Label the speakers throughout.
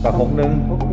Speaker 1: กับ61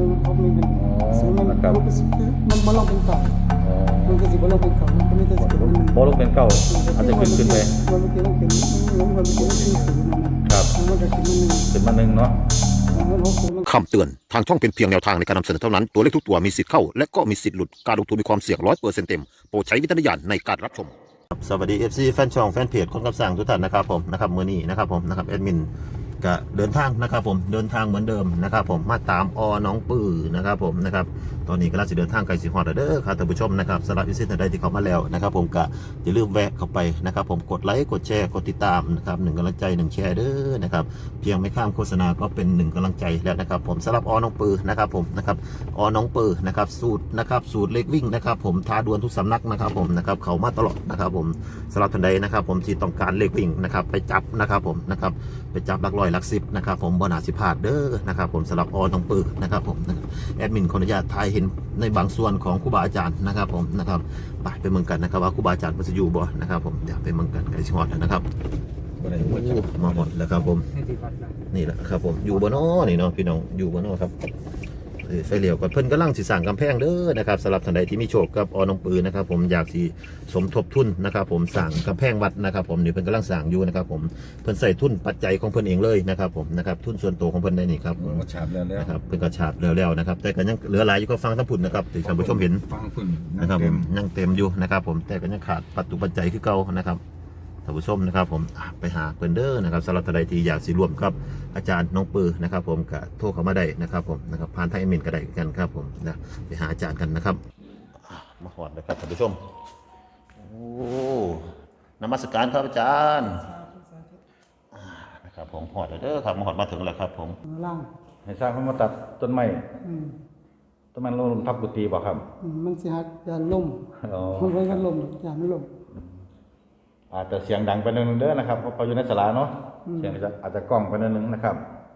Speaker 2: 61เป็นศูนย์มัน
Speaker 1: นะครับ
Speaker 2: มันบ่ลงเป็นเก่ามันก็สิบ่ลงเป็นเก่ามันก็ไม่ได้สิเป็นมัน
Speaker 1: บ่ลงเป็นเก้าอาจจะขึ้นไป
Speaker 2: มันเมื่อกี้มันเป็นมันเมื่อกี้มันเป็นศูนย์นั่นนะครับมันก็ขึ้นมาหนึ่ง
Speaker 1: ขึ้นมา1เนาะ
Speaker 2: มัน60มัน
Speaker 3: คำเตือน ทางช่องเป็นเพียงแนวทางในการนำเสนอเท่านั้น ตัวเลขทุกตัวมีสิทธิ์เข้า และก็มีสิทธิ์หลุด การลงทุนมีความเสี่ยง100%เต็ม โปรดใช้วิจารณญาณในการรับชม สวัสดี FC แฟนช่องแฟนเพจคนกับสั่งทุกท่านนะครับผมนะครับมื้อนี้นะครับผมนะครับแอดมินก็เดินทางนะครับผมเดินทางเหมือนเดิมนะครับผมมาตามน้องปื้อนะครับผมนะครับตอนนี้ก็ล่าสุดเดินทางไกลสิฮอดเด้อครับท่านผู้ชมนะครับสำหรับอีซินใดที่เข้ามาแล้วนะครับผมก็อย่าลืมแวะเข้าไปนะครับผมกดไลค์กดแชร์กดติดตามนะครับ1กำลังใจ1แชร์เด้อนะครับเพียงไม่ข้ามโฆษณาก็เป็น1กำลังใจแล้วนะครับผมสำหรับน้องปื้อนะครับผมนะครับน้องปื้อนะครับสูตรเลขวิ่งนะครับผมท้าดวลทุกสำนักนะครับผมนะครับเขามาตลอดนะครับผมสำหรับท่านใดนะครับผมที่ต้องการเลขวิ่งนะครับไปจับนะครับผมนะครับไปจับหลักร้อยหลักสิบนะครับผมบ่น่าสิพลาดเด้อนะครับผมสำหรับน้องปื้อนะครับผมแอดมินขออนุญาตถ่ายเห็นในบางส่วนของครูบาอาจารย์นะครับผมนะครับไปเมืองกันนะครับว่าครูบาอาจารย์มันจะอยู่บ่นะครับผมเดี๋ยวไปเมืองกันไกลชิฮอดนะครับมาหมดแล้วครับผมนี่แหละครับผมอยู่บ่เนาะนี่เนาะพี่น้องอยู่บ่เนาะครับไฟเหลียวก่อนเพิ่นกำลังสิสร้างกำแพงเด้อนะครับสำหรับท่านใดที่มีโชคกับน้องปือนะครับผมอยากสิสมทบทุนนะครับผมสร้างกำแพงวัดนะครับผมนี่เพิ่นกำลังสร้างอยู่นะครับผมเพิ่นใส่ทุนปัจจัยของเพิ่นเองเลยนะครับผมนะครับทุนส่วนตัวของเพิ่นได้นี่ครับ
Speaker 1: มันฉาบแล้ว
Speaker 3: นะครับเพิ่นก็ฉาบแล้วนะครับแต่ก็ยังเหลือหลายอยู่ก็ฟังทั้งพุ่นนะครับที่ท่านผู้ชมเห็น
Speaker 1: ฟังพึ่ง
Speaker 3: นะครับผมยังเต็มอยู่นะครับผมแต่ก็ยังขาดปัจจัยคือเก่านะครับท่านผู้ชมนะครับผมไปหาเพิ่นเด้อนะครับสำหรับท่านใดที่อยากสิร่วมกับอาจารย์น้องปือนะครับผมก็โทรเข้ามาได้นะครับผมนะครับผ่านทางอีเมลก็ได้กันครับผมนะไปหาอาจารย์กันนะครับมาหอดนะครับท่านผู้ชมโอ้นมัสการครับอาจารย์นะครับผมหอดแล้วเด้อครับมาหอดมาถึงแล้วครับผม
Speaker 2: ล่าง
Speaker 1: ให้สร้างเขามาตัดต้นไม้
Speaker 2: อืม
Speaker 1: ต้นไม้ลงทับกุฏิบ่ครับ
Speaker 2: มันสิฮักยานล่ม
Speaker 1: อ๋อ
Speaker 2: มันไว้กันล่มยานไม่ล่ม
Speaker 1: อาจจะเสียงดังไปนิดนึงเด้อนะครับเพราะเขาอยู่ในศาลาเนาะเสียงอาจจะกล้องไปนิดนึงนะครับ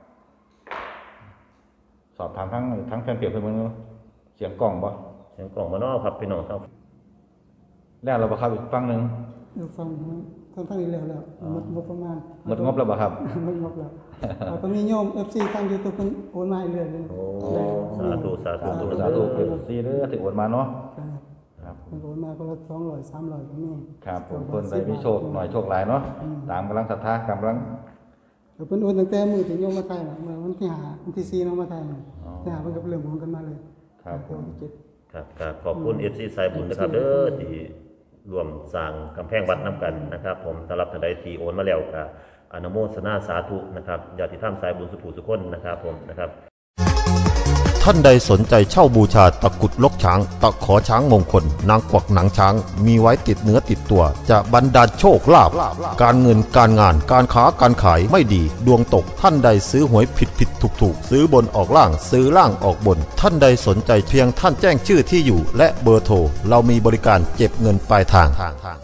Speaker 1: สอบถามทั้งแฟนเพจเพิ่นเบิ่งเนาะเสียงกล้องบ่
Speaker 3: เสียงกล่องมาเนาะครับพี่น้องครับ
Speaker 1: แล้วเราบ่ครับอีกฝั่งหนึง
Speaker 2: เดี๋ยวฟังทั้งนี้แล้วหมดงบประมาณ
Speaker 1: หมดงบแล้วบ่ครับ
Speaker 2: หมดงบแล้วก็มีโยม FC ทาง YouTube เพิ่นโอนมาให้เรื่อยเลย
Speaker 3: โอ้สาธุสาธุ
Speaker 1: สาธุซีเด้อที่โอนมาเนาะครับ
Speaker 2: เพิ่นโอนมาคนละ200 300ก็มี
Speaker 1: ครับผมเพิ่นได้มีโชคหน่อยโชคหลายเนาะตามกำลังศรัทธากำลัง
Speaker 2: เพิ่นโอนตั้งแต่มื้อที่โยมมาไทยน่ะเมื่อวันที่5วันที่4เนาะมาไทยน่ะที่5เพิ่นก็เริ่มโอนกันมาเลย
Speaker 1: ครับผม
Speaker 2: วันที่7
Speaker 3: ครับขอบคุณ FC สายบุญนะครับเด้อที่รวมสร้างกำแพงวัดน้ำกันนะครับผมสำหรับท่านใดที่โอนมาแล้วก็อนุโมทนาสาธุนะครับญาติธรรมสายบุญสุภูสุคนนะครับผมนะครับท่านใดสนใจเช่าบูชาตะกุดลกช้างตะขอช้างมงคลนางกวักหนังช้างมีไว้ติดเนื้อติดตัวจะบรรดาลโชคลาภการเงินการงานการค้าการขายไม่ดีดวงตกท่านใดซื้อหวยผิดถูกซื้อบนออกล่างซื้อล่างออกบนท่านใดสนใจเพียงท่านแจ้งชื่อที่อยู่และเบอร์โทรเรามีบริการเก็บเงินปลายทาง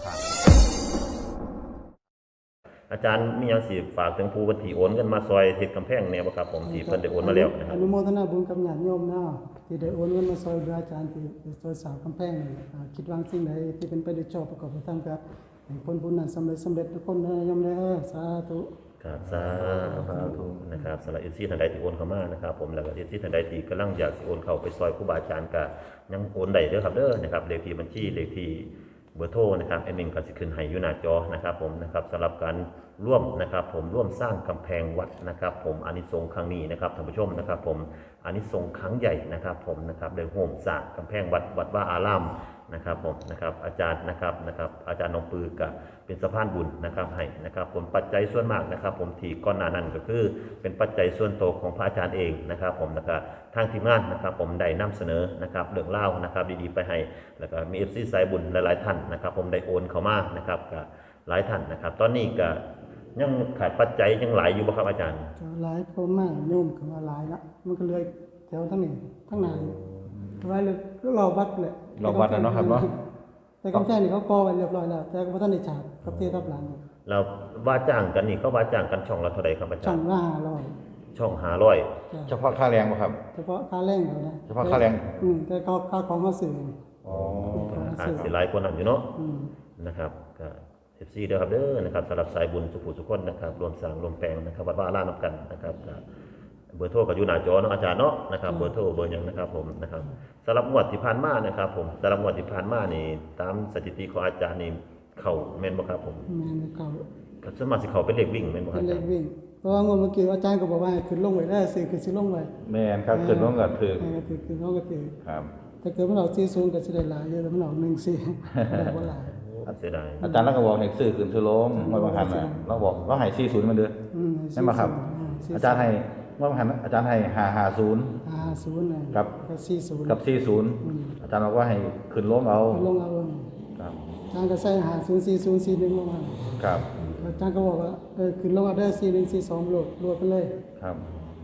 Speaker 3: อาจารย์มีอย่างสิฝากถึงผู้บัญชีโอนกันมาซอยเฮ็ดกำแพงแนวบ่ครับผมที่เพิ่นได้โอนมาแล้วนะค
Speaker 2: อ
Speaker 1: Dạ.
Speaker 3: รับ
Speaker 2: นุโมทนาบุญกับญาติโยมนะที่ได้โอนเงินมาซอยพระอาจารย์ที่ซอยสาวกำแพงนี่คิดวางสิ่งใดที่เป็นไปด้วยชอบประกอบไปตามกับผลบุญนั้นสำเร็จทุกคนนะโยมเด้อสาธุ
Speaker 3: ครับสาธุนะครับสำหรับท่านใดที่โอนเข้ามานะครับผมแล้วก็ท่านใดที่กำลังอยากสิโอนเข้าไปซอยครูบาอาจารย์ก็ยังโอนได้เด้อครับเด้อนะครับเลขที่บัญชีเลขที่เบอร์โทรนะครับแอดมินก็สิขึ้นให้อยู่หน้าจอนะครับผมนะครับสำหรับการร่วมนะครับผมร่วมสร้างกำแพงวัดนะครับผมอานิสงส์ครั้งนี้นะครับท่านผู้ชมนะครับผมอานิสงส์ครั้งใหญ่นะครับผมนะครับได้โฮมสร้างกำแพงวัดว่าอารามนะครับผมนะครับอาจารย์นะครับอาจารย์น้องปือกับเป็นสะพานบุญนะครับให้นะครับผมปัจจัยส่วนมากนะครับผมที่ก่อนหน้านั้นก็คือเป็นปัจจัยส่วนตัวของพระอาจารย์เองนะครับผมนะครับทางทีมงานนะครับผมได้นำเสนอนะครับเรื่องเล่านะครับดีๆไปให้แล้วก็มี FC สายบุญหลายๆท่านนะครับผมได้โอนเข้ามานะครับกับหลายท่านนะครับตอนนี้ก็ยังขาดปัจจัยยังหลายอยู่บ่ครับอาจารย์
Speaker 2: จะหลายคนมากโยมก็ว่าหลายละมันก็เลยแถวทั้งนี้ทั้งไหนไว้เลยก็รอวัดแหละ
Speaker 1: รอวัดแล้วเนาะครับเนาะ
Speaker 2: แต่กำแพงนี่เขาก่อไว้เรียบร้อยแล้วแต่ก็บ่ทันได้ฉาบกับเททับหลัง
Speaker 3: เราว่าจ้างกันนี่เขาว่าจ้างกันช่องละเท่าไหร่ครับอาจา
Speaker 2: ช่อ
Speaker 3: รง ย์
Speaker 2: ละ
Speaker 3: ช่อง500
Speaker 2: 500
Speaker 1: เฉพาะค่าแรงบ่ครับ
Speaker 2: เฉพาะค่าแรงเขานะ
Speaker 1: เฉพาะค่าแรง
Speaker 2: แต่ค่าของเขาซื้อ
Speaker 1: อ๋อ
Speaker 3: อาจสิหลายคนนั่นอยู่เนาะ
Speaker 2: อืม
Speaker 3: นะครับก็ FC เด้อครับเด้อนะครับสำหรับสายบุญสุขุสุขคนนะครับรวมสร้างรวมแปลงนะครับวัดว่าอารามนำกันนะครับก็เบอร์โทรก็อยู่หน้าจอเนาะอาจารย์เนาะนะครับเบอร์โทรเบอร์หยังนะครับผมนะครับสำหรับงวดที่ผ่านมานะครับผมสำหรับงวดที่ผ่านมานี่ตามสถิติของอาจารย์นี่เข้าแม่นบ่ครับผม
Speaker 2: แม่นเขา
Speaker 3: ก็ส่วนมากสิเข้าเป็นเลขวิ่งแม่นบ่ค
Speaker 2: เป็
Speaker 3: รับ
Speaker 2: น
Speaker 3: อา
Speaker 2: เล
Speaker 3: จาร
Speaker 2: ข
Speaker 3: ย์
Speaker 2: วิ่งเพราะว่างวดเมื่อกี้อาจารย์ก็บอกว่าให้ขึ้นลงไว้ได้สิคือสิลงไว้
Speaker 1: แม่นครับขึ้นลงก็ถือ
Speaker 2: คือขึ้นลงก็ถือ
Speaker 1: ครับ
Speaker 2: ถ้าเกิดมันออก40ก็สิได้หลายอยู่แต่มันออก14ได้บ่หลาย
Speaker 3: เสียดาย
Speaker 1: อาจารย์เราก็บอกให้ซื้อขึ้นซื้อลงงวดบางหันน่ะเราบอกเราให้40มันเด้อ ใช่ไหมครับ อาจารย์ให้งวดบางหันอาจารย์ให้550
Speaker 2: 50น่ะ
Speaker 1: กับ
Speaker 2: 40
Speaker 1: กับ40อาจารย์บอกว่าให้ขึ้นลงเอา
Speaker 2: ลงเอา
Speaker 1: ครับ
Speaker 2: อาจารย์ก็ใส่504041ลงมา
Speaker 1: ครับ
Speaker 2: อาจารย์ก็บอกว่าขึ้นลงเอาได้4142โหลดไปเลย
Speaker 1: ครับ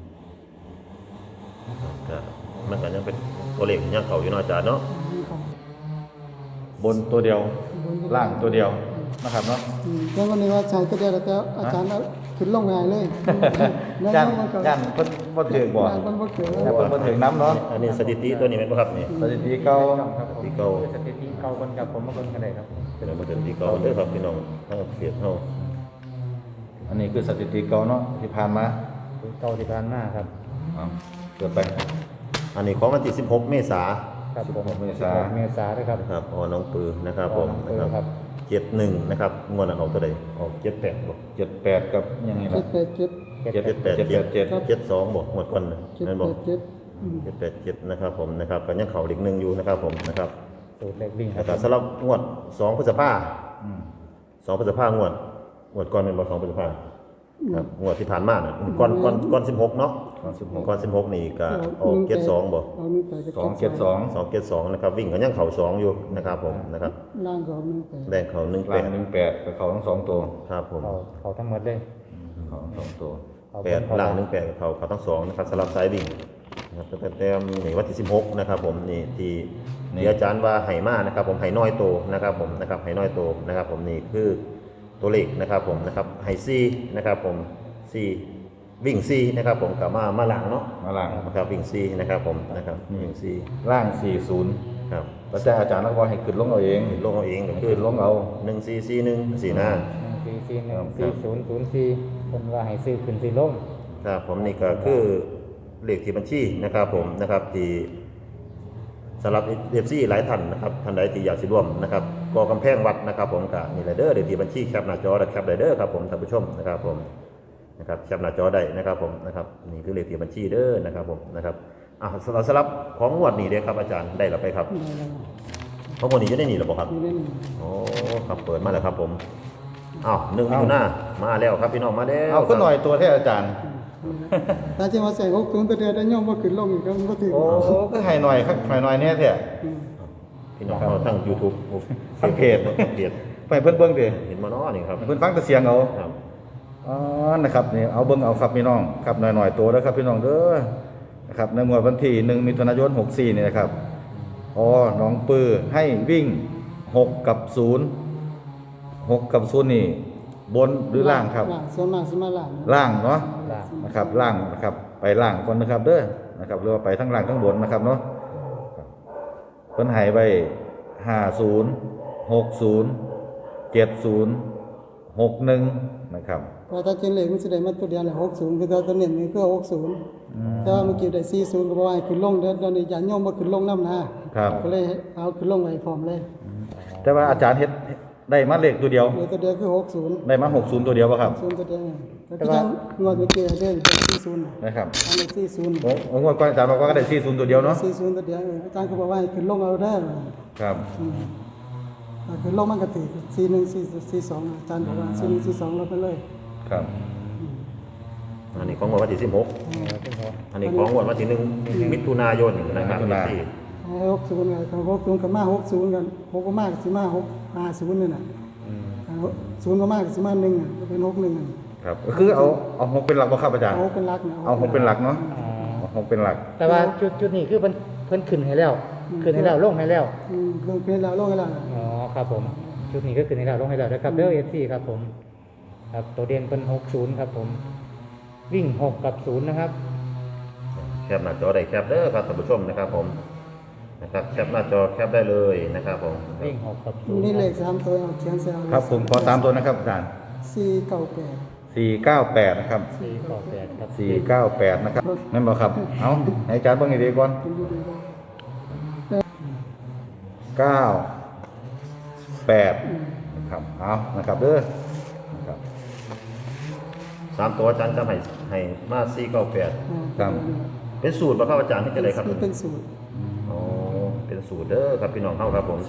Speaker 3: ก็มันก็ยังเป็นตัวเลขที่ยังเข้าอยู่เนาะอาจารย์เนาะ
Speaker 1: บนตัวเดียวล่างตัวเดียวนะครับเนาะ
Speaker 2: แล้ววันนี้ว่าอาจารย์ก็ได้แล้วแต่อาจารย์เอาขึ้นลงง่ายเลย
Speaker 1: ย่านย่านเพิ่นบ่ถือบ่
Speaker 2: ย่านเพิ่นบ่เกิด
Speaker 1: ย่านเพิ่นบ่ถึงน้ำเนาะ
Speaker 3: อันนี้สถิติตัวนี้แม่นบ่ครับนี่
Speaker 1: สถิติเก่า
Speaker 3: ที่เก่า
Speaker 4: สถิติเก่าคนกับผมมาเบิ่งกันได้ครับ
Speaker 3: เป็นสถิติเก่าเด้อครับพี่น้องเฮาเปรียบเฮา
Speaker 1: อันนี้คือสถิติเก่าเนาะที่ผ่านมา
Speaker 4: เก่าที่ผ่านมาครับ
Speaker 1: เอาเกิดไป
Speaker 3: อันนี้ของวันที่16 เมษายน
Speaker 4: ครับผม
Speaker 1: 16 เมษา
Speaker 4: เมษาด้วยครับ
Speaker 3: นะครับอ๋อน้องปือนะครับผม
Speaker 4: อ๋อน้องปือครับ
Speaker 3: 71นะครับงวดนั้นออกเท่าใดออก78บ่
Speaker 1: 78กับยังไงล่ะ
Speaker 2: 787
Speaker 3: 72บ่งวดก่อนนะนั่นบ่
Speaker 2: 787
Speaker 3: 787นะครับผมนะครับก็ยังเข้าเลข1อยู่นะครับผมนะครับ
Speaker 4: สูตรเลขวิ่งค
Speaker 3: แล้
Speaker 4: รั
Speaker 3: ว
Speaker 4: บ
Speaker 3: ก็สำหรับงวด2พฤษภา
Speaker 1: อืม
Speaker 3: 2พฤษภางวดก่อนเป็นบ่2พฤษภาครับงวดที่ผ่านมาน่ะก่อน16เนาะ
Speaker 1: 16
Speaker 3: ก่อน16นี่ก็ออก72บ่
Speaker 2: เอา1ไปก็
Speaker 1: 272
Speaker 3: 272นะครับวิ่งก็ยังเข้า2อยู่นะครับผมนะครับ
Speaker 2: ล่างก็เอา1ไป
Speaker 3: แดงเข้า
Speaker 1: ล่าง18กับเขาทั้งสองตัว
Speaker 3: ครับผม
Speaker 4: เขาทั้งหมดเลย
Speaker 1: เขาทั้งสองตัว
Speaker 4: เขา
Speaker 3: 8ล่าง18กับเขาทั้งสองนะครับสำหรับสายวิ่งนะครับแต่แต้มนี่วันที่16นะครับผมนี่ที่อาจารย์ว่าไหมานะครับผมไหน้อยโตนะครับผมนะครับไหน้อยโตนะครับผมนี่คือตัวเลขนะครับผมนะครับไหซีนะครับผมซีวิ่งซีนะครับผมกลับมาหลังเนาะ
Speaker 1: มาล่าง
Speaker 3: นะครับวิ่งซีนะครับผมนะครับวิ่งซี
Speaker 1: ล่าง 40
Speaker 3: ครับ
Speaker 1: แล้วแต่อาจารย์เราก็ให้ขึ้นลงเอาเอง
Speaker 3: ลงเอาเองก็
Speaker 1: ให้
Speaker 3: คือ
Speaker 1: ขึ้นลงเอา
Speaker 3: 1441สีหน้า
Speaker 4: 4414004คนว่าให้ซื้อขึ้นซื้อลง
Speaker 3: ครับผมนี่ก็คือเลขที่บัญชีนะครับผมนะครับที่สำหรับเอฟซีหลายท่านนะครับท่านใดที่อยากสิร่วมนะครับก่อกำแพงวัดนะครับผมกับนี่ไรเดอร์เลขที่บัญชีแคปหน้าจอและแคปไรเดอร์ครับผมท่านผู้ชมนะครับผมนะครับแคปหน้าจอได้นะครับผมนะครับนี่คือเลขที่บัญชีเด้อนะครับผมนะครับสำหรับของงวดนี้เด้อครับอาจารย์ได้หรือไปครับ
Speaker 2: ได้แล้ว
Speaker 3: ของงวดนี้จะได้หนีหรือเปล่าครับ
Speaker 2: อยู่ในนี้
Speaker 3: โอ้ครับเปิดมาแล้วครับผมอ้าว1 มิถุนายนมาแล้วครับพี่น้องมาแล้ว
Speaker 1: เอาขึ้นหน่อยตัวแท้อาจารย์
Speaker 2: แต่ที่ว่าใส่60ตัวเดียวได้ย่อมบ่ขึ้นลงอีกก็บ่ถึง
Speaker 1: โอ้ก็ให้หน่อยครับให้หน่อยแน่แท้
Speaker 3: พี่น้องเราทั้ง YouTube
Speaker 1: ทั้งเพจ
Speaker 3: ทั้งเพจ
Speaker 1: ไปเพิ่นเบิ่งดิ
Speaker 3: เห็นมาเนาะนี่ครับ
Speaker 1: ให้เพิ่นฟังแต่เสียงเอา
Speaker 3: ครับ
Speaker 1: อ๋อนะครับนี่เอาเบิ่งเอาครับพี่น้องครับหน่อยๆตัวเด้อครับพี่น้องเด้อนะครับในงวดวันที่1 มิถุนายน 64นี่นะครับอ๋อน้องปือให้วิ่ง6 กับ 0 6 กับ 0 นี่บนหรือล่างครับ
Speaker 2: ล่างส่วนมากสิมาล่าง
Speaker 1: ล่างเนาะ
Speaker 4: ล่าง
Speaker 1: นะครับล่างนะครับไปล่างก่อนนะครับเด้อนะครับหรือว่าไปทั้งล่างทั้งบนนะครับเนาะเพิ่นให้ไว้50 60 70 61นะครับ
Speaker 2: เพราะถ้าจริงเลขมันสิได้มาตัวเดียวแหละ60คือตัวเน้นนี่คือ60แต่ว่าเมื่อกี้ได้40ก็บ่ว่าให้ขึ้นลงเดี๋ยวนี้ญาติโยมบ่ขึ้นลงนำนะครับ ก็เลยเอาขึ้นลงไว้พร้อมเลย
Speaker 1: แต่ว่าอาจารย์เฮ็ดได้มาเลขตัวเดียว
Speaker 2: เหลือตัวเดียวคือ60
Speaker 1: ได้มา60ตัวเดียวป่ะครับ
Speaker 2: 0ตัวเดียวก็คือจังงวดเมื่อกี้ได้40
Speaker 1: นะครับ
Speaker 2: อันนี้40
Speaker 1: โอ้งวดก่อนอาจารย์บอกว่าก็ได้40ตัวเดียวเนาะ
Speaker 2: 40ตัวเดียวอาจารย์ก็บอกว่าให้ขึ้นลงเอาได้อ
Speaker 1: ครับ
Speaker 2: ขึ้นลงมันก็ถือ4142อาจารย์บอกว่า4142ลดไปเลย
Speaker 1: ครับ
Speaker 3: อันนี้ของวันที่16อันนี้ของวันที่1 มิถุนายนนะครับที่
Speaker 2: 60กัน60ก็มา60กัน6ก็มากสิมา650นี่น่ะ0ก็มากสิมา1อ่ะเป็น61อ่ะ
Speaker 1: ครับก็คือเอา6เป็นหลักบ่ครับอาจารย์
Speaker 2: เอาเป็นหลักนะ
Speaker 1: เอา6เป็นหลักเนาะเอา6เป็นหลัก
Speaker 4: แต่ว่าจุดนี้คือเพิ่นขึ้นให้แล้วขึ้นให้แล้วลงให้แล้ว
Speaker 2: ลงเป็นแล้วลงให้แล้วนะ
Speaker 4: อ๋อครับผมจุดนี้ก็ขึ้นให้แล้วลงให้แล้วนะครับเด้อ FC ครับผมครับตัวเด่นเป็น60ครับผมวิ่ง6กับ0นะครับ
Speaker 3: แคปหน้าจอได้แคปเด้อครับท่านผู้ชมนะครับผมนะครับแคปหน้าจอแคปได้เลยนะครับผม
Speaker 4: วิ่ง6กับ0
Speaker 2: นี่เลข3ตัวเอาเขียนใส่เอา
Speaker 1: ครับผมขอ3ตัวนะครับอาจารย์
Speaker 2: 498
Speaker 1: 498นะครับ
Speaker 4: 498ครับ
Speaker 1: 498นะครับแม่นบ่ครับเอาให้อาจารย์เบิ่งให้ดีก่อน
Speaker 2: เป็นอยู่ดีก็
Speaker 1: 98นะครับเอานะครับเด้อนะครับ
Speaker 3: 3 ตัวอาจารย์จำให้มา498
Speaker 1: ครับ
Speaker 3: เป็นสูตรบ่ครับอาจารย์ที่จะได้ครับ
Speaker 2: เป็นสูตร
Speaker 3: อ๋อเป็นสูตรเด้อครับพี่น้องเฮาครับผม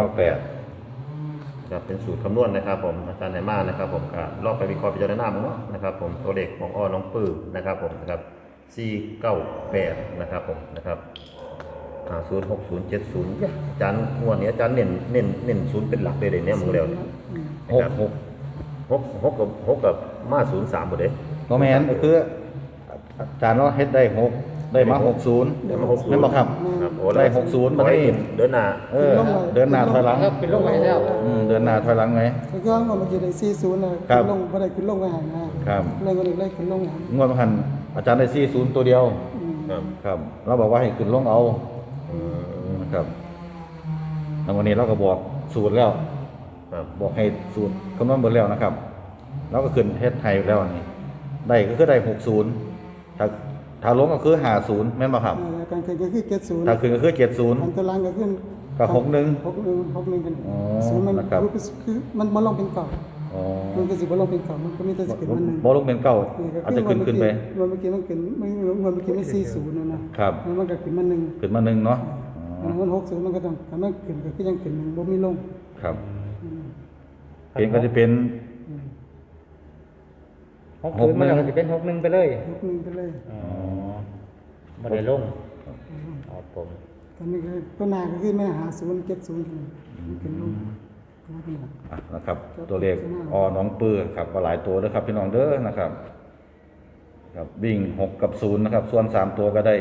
Speaker 1: 498
Speaker 3: ครับเป็นสูตรคำนวณนะครับผมอาจารย์ไหนมานะครับผมก็ลองไปวิเคราะห์พิจารณาเนาะนะครับผมตัวเลขของน้องปื้อนะครับผมนะครับ498นะครับผมนะครับ06070เนี่ยอาจารย์งวดนี้อาจารย์เน้นศูนย์เป็นหลักเลยเดี๋ยวนี้มึงเร็ว
Speaker 1: 66
Speaker 3: 6กับมา03บ่เด้
Speaker 1: บ่แม่นก็คืออาจารย์เราเฮ็ดได้6ได้มา60
Speaker 3: ได้มา60
Speaker 1: แม่นบ่ครับ
Speaker 3: ครับโอ้
Speaker 1: ได้60บัดนี้
Speaker 3: เดินหน้า
Speaker 1: เดินหน้าถอยหลัง
Speaker 4: ครับเป็นโรคไว้แล้ว
Speaker 1: เดินหน้าถอยหลังไง
Speaker 2: แล้วก็เมื่อกี้ได้40นะครับ ขึ้นลงบ่ได้ขึ้นลงไว้ให้นะครับ เลยก็เลยขึ้นลงให้
Speaker 1: งวดพันอาจารย์ได้40ตัวเดียว
Speaker 3: ครับ
Speaker 1: ครับ เราบอกว่าให้ขึ้นลงเอา
Speaker 3: อืม
Speaker 1: นะครับแล้ววันนี้เราก็บอกสูตรแล้ว
Speaker 3: ครับ
Speaker 1: บอกให้สูตรคำนวณเบิดแล้วนะครับเราก็ขึ้นเฮ็ดไทยแล้วอันนี้ได้ก็คือได้60ถ้าลงก็คือ50แม่นบ่ครับ
Speaker 2: การขึ้นก็คือ70
Speaker 1: ถ้าขึ้นก็คือ
Speaker 2: อันตารางก็ขึ้น
Speaker 1: ก็61
Speaker 2: 61กัน
Speaker 1: อ๋อ
Speaker 2: ซึ่งมัน
Speaker 1: นะครับ
Speaker 2: คือมันบ่ลงเป็นเก่า
Speaker 1: อ๋อ
Speaker 2: มันก็สิบ่ลงเป็นเก่ามันก็มีแต่สิขึ้นมันหนึง
Speaker 1: บ่ลงเป็นเก่าอาจจะขึ้นไป
Speaker 2: เมื่อกี้มันขึ้นเมื่อกี้มัน40นะครับ มันก็ขึ้นมาหนึ่ง
Speaker 1: ขึ้นมา1เนาะอ๋อ
Speaker 2: มัน60มันก็ต้องถ้ามันขึ้นก็คือยังขึ้นหนึ่งบ่มีลง
Speaker 1: ครับเป็นก็จะเป็น
Speaker 4: 60มันก็สิเป็น61ไปเลย
Speaker 2: 61ไปเลย
Speaker 4: อ๋อบ่ได้ลงครับผม
Speaker 2: ตอนนี้ก็ตัวหน้าก็คือแม่50 70ขึ้นลงก็เป็นหลัก
Speaker 1: นะครับตัวเลขน้องปื้อครับก็หลายตัวด้วยครับพี่น้องเด้อนะครับครับวิ่ง6กับ0นะครับส่วน3ตัวก็ได้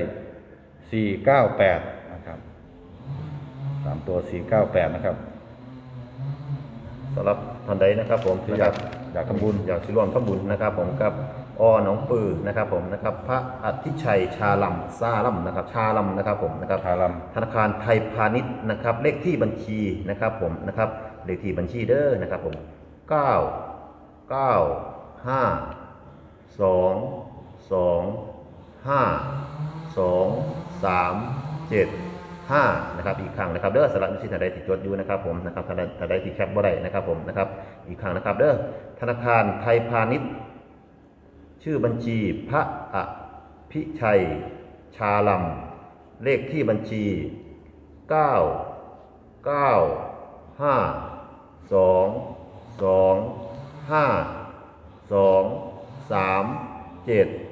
Speaker 1: 498นะครับ3ตัว498นะครับ
Speaker 3: สำหรับท่านใดนะครับผม
Speaker 1: ที่
Speaker 3: นะครับ
Speaker 1: อยากทำบุญ
Speaker 3: อยากสิร่วมทำบุญนะครับผมกับน้องปือนะครับผมนะครับพระอธิชัยชาลัมซาลัมนะครับชาลัมนะครับผมนะครับ
Speaker 1: ชาลัม
Speaker 3: ธนาคารไทยพาณิชย์นะครับเลขที่บัญชีนะครับผมนะครับเลขที่บัญชีเด้อนะครับผม9 9 5 2 2 5 2 3 7 5นะครับอีกครั้งนะครับเด้อสำหรับที่ท่านใดที่จดอยู่นะครับผมนะครับท่านใดที่แคปบ่ได้นะครับผมนะครับอีกครั้งนะครับเด้อธนาคารไทยพาณิชย์ชื่อบัญชีพระอภิชัยชาลัมเลขที่บัญชี9 9 5 2 2 5 2 3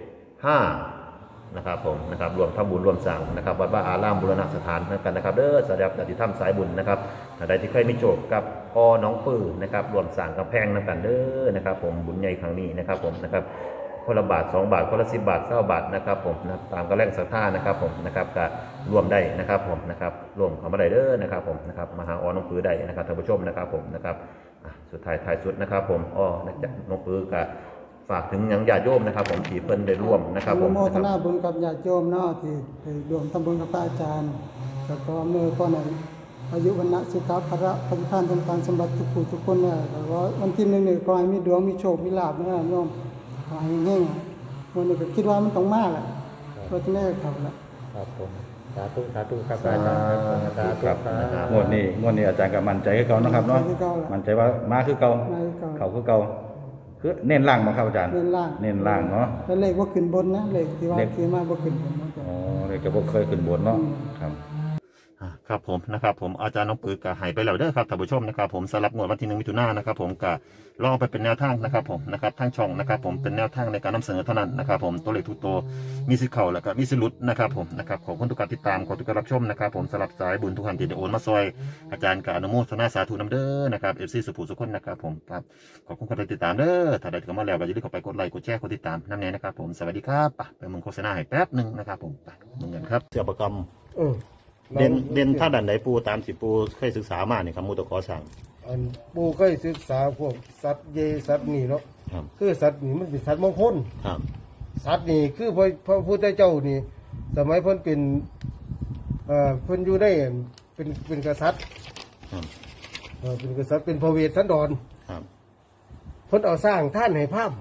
Speaker 3: 7 5นะครับผมนะครับรวมทำบุญรวมสั่งนะครับวัดว่าอารามบูรณะสถานกันนะครับเด้อสำหรับญาติธรรมสายบุญนะครับท่านใดที่เคยมีโจทย์กับน้องปื้อนะครับรวมสั่งกำแพงนำกันเด้อนะครับผมบุญใหญ่ครั้งนี้นะครับผมนะครับคนละบาท2 บาทคนละ10 บาท20 บาทนะครับผมนะตามกำลังศรัทธานะครับผมนะครับก็รวมได้นะครับผมนะครับรวมเข้ามาได้เด้อนะครับผมนะครับมาหาน้องปื้อได้นะครับท่านผู้ชมนะครับผมนะครับสุดท้ายสุดนะครับผมน้องปื้อก็ฝากถึงยังญาติโยมนะครับผมที่เพิ่นได้ร่วมนะครับผม
Speaker 2: โมทนาบุญกับญาติโยมเนาะที่ได้ร่วมทำบุญกับพระอาจารย์แล้วก็เมื่อก่อนนั้นอายุวันนะสุขภะปฏิภาณทางการสมบัติทุกผู้ทุกคนเนี่ยแล้วก็วันที่1นี่ขอให้มีดวงมีโชคมีลาภนะโยมขอให้เฮงๆวันนี้ก็คิดว่ามันต้องมาแหละเพราะฉะนั้นเข้าละ
Speaker 4: ครับผมสาธุครับอาจารย์สาธุ
Speaker 1: ครับ
Speaker 4: ครับ
Speaker 1: งวดนี้อาจารย์ก็มั่นใจคือเก่านะครับเนาะมั่นใจว่ามาคือเก่า
Speaker 2: มาคือเก่า
Speaker 1: เขาคือเก่าคือเน้นล่างบ่ครับอาจารย์
Speaker 2: เน้นล่าง
Speaker 1: เน้นล่างเนาะ
Speaker 2: แล้วเลขว่าขึ้นบนนะเลขที่ว่า
Speaker 1: เลข
Speaker 2: คือมาบ่ขึ้นบนนะจ๊ะ
Speaker 1: อ๋อเลยจะบ่เคยขึ้นบนเนาะครับ
Speaker 3: ครับผมนะครับผมอาจารย์น้องปือกะหายไปแล้วเด้อครับท่านผู้ชมนะครับผมสำหรับงวดวันที่1 มิถุนายนนะครับผมกะลองไปเป็นแนวทางนะครับผมนะครับทางช่องนะครับผมเป็นแนวทางในการนำเสนอเท่านั้นนะครับผมตัวเลขทุกตัวมีสิทธิ์เข้าแล้วก็มีสิทธิ์หลุดนะครับผมนะครับขอบคุณทุกการติดตามขอบคุณทุกการรับชมนะครับผมสำหรับสายบุญทุกท่านที่ได้โอนมาซอยอาจารย์กะอนุโมทนาสาธุนำเด้อนะครับ FC สุภูสุคนนะครับผมครับขอบคุณการติดตามเด้อถ้าได้เข้ามาแล้วก็อย่าลืมเข้าไปกดไลค์กดแชร์กดติดตามนั่นเองนะครับผมสวัสดีครับไปมึงโฆษณาให้แป๊บนึงนะครับผมไปมึงกันครับเสือประกำ เด่นถ้าดันไหนปูตามสิปูเคยศึกษามาเนี่ยครับมูตะขอสั่ง
Speaker 5: อันปูเคยศึกษาพวกสัตว์เยสัตว์นี่เนาะ
Speaker 3: ครับ
Speaker 5: คือสัตว์นี่มันเป็นสัตว์มงคล
Speaker 3: ครับ
Speaker 5: สัตว์นี่คือพระพุทธเจ้านี่ สมัยเพิ่นเป็นเพิ่นอยู่ได้เป็นกษัตริย์
Speaker 3: ครับ
Speaker 5: เป็นกษัตริย์เป็นพระเวสสันดร
Speaker 3: ครับ
Speaker 5: เพิ่นเอาสร้างท่านให้พราหมณ์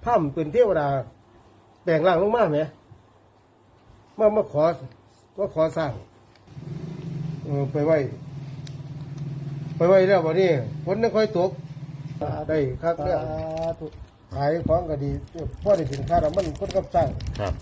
Speaker 5: พร่ำเป็นเทวดาแปลงร่างลงมาไหมมาขอสร้างไปไว้แล้ววันนี้ฝนไม่ค่อยตกได้ครับเนี่ยขายของก็ดีพ่อได้สินค้าแล้วมันคนกับสร้าง
Speaker 3: ครับ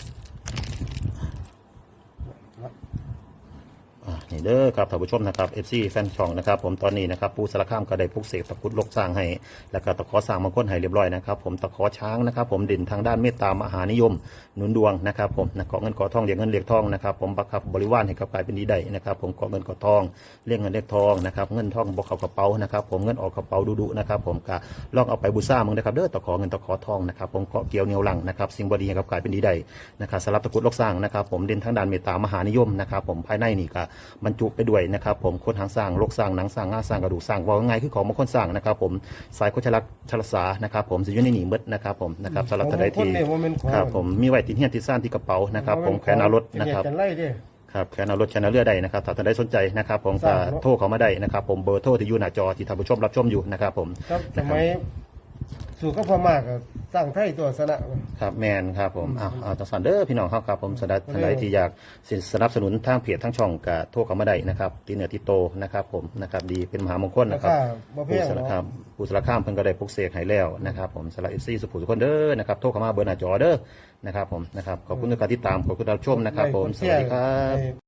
Speaker 3: นี่เด้อครับท่านผู้ชมนะครับ FC แฟนช่องนะครับผมตอนนี้นะครับปูสารคามก็ได้ปลุกเสกตะกรุดลกสร้างให้แล้วก็ตะขอสร้างมงคลให้เรียบร้อยนะครับผมตะขอช้างนะครับผมเด่นทางด้านเมตตามหานิยมหนุนดวงนะครับผมนะเกาะเงินเกาะทองเรียกเงินเรียกทองนะครับผมบังคับบริวารให้กับกลายเป็นดีได้นะครับผมเกาะเงินเกาะทองเรียกเงินเรียกทองนะครับเงินทองบอกเข้ากระเป๋านะครับผมเงินออกกระเป๋าดุๆนะครับผมก็ลองเอาไปบูชามึงนะครับเด้อตะขอเงินตะขอทองนะครับผมเกาะเกี่ยวเหนียวหลังนะครับสิ่งบดีให้กับกลายเป็นดีได้นะครับสำหรับตะกรุดลกสร้างนะครับผมเด่นทางด้านเมตตามหานิยมนะครับผมภายในนี่ก็บรรจุไปด้วยนะครับผมคนหางสร้างโลกสร้างหนังสร้างง่าสร้างกระดูกสร้างว่าง่ายคือของมงคลสร้างนะครับผมสายโคชลักษณ์ชลสานะครับผมสิอยู่ในหนีมืดนะครับผมนะครับสำหรับท่านใดที่ครับผมมีไว้ติดเฮียนติดซ่านที่กระเป๋านะครับผมแขวนเอารถนะครับครับแขวนเอารถแขวนเอาเรือใดนะครับถ้าท่านใดสนใจนะครับผมก็โทรเข้ามาได้นะครับผมเบอร์โทรที่อยู่หน้าจอที่ท่านผู้ชมรับชมอยู่นะครับผม
Speaker 5: สมัยสู่ก็พอมากสร้างไทยตัวสนะครับ
Speaker 3: แมนครับผมเอาต่อสันเด้อพี่น้องครับผมสำหรับท่านใดที่อยากสนับสนุนทางเพจทางช่องก็โทรเข้ามาได้นะครับที่เหนือที่โตนะครับผมนะครับดีเป็นมหามงคลนะครับผู้สารคามเพิ่นก็ได้ปลุกเสกให้แล้วนะครับผมสำหรับ FC สุขุมทุกคนเด้อนะครับโทรเข้ามาเบอร์หน้าจอเด้อนะครับผมนะครับขอบคุณทุกการติดตามขอบคุณรับชมนะครับผมสวัสดีครับ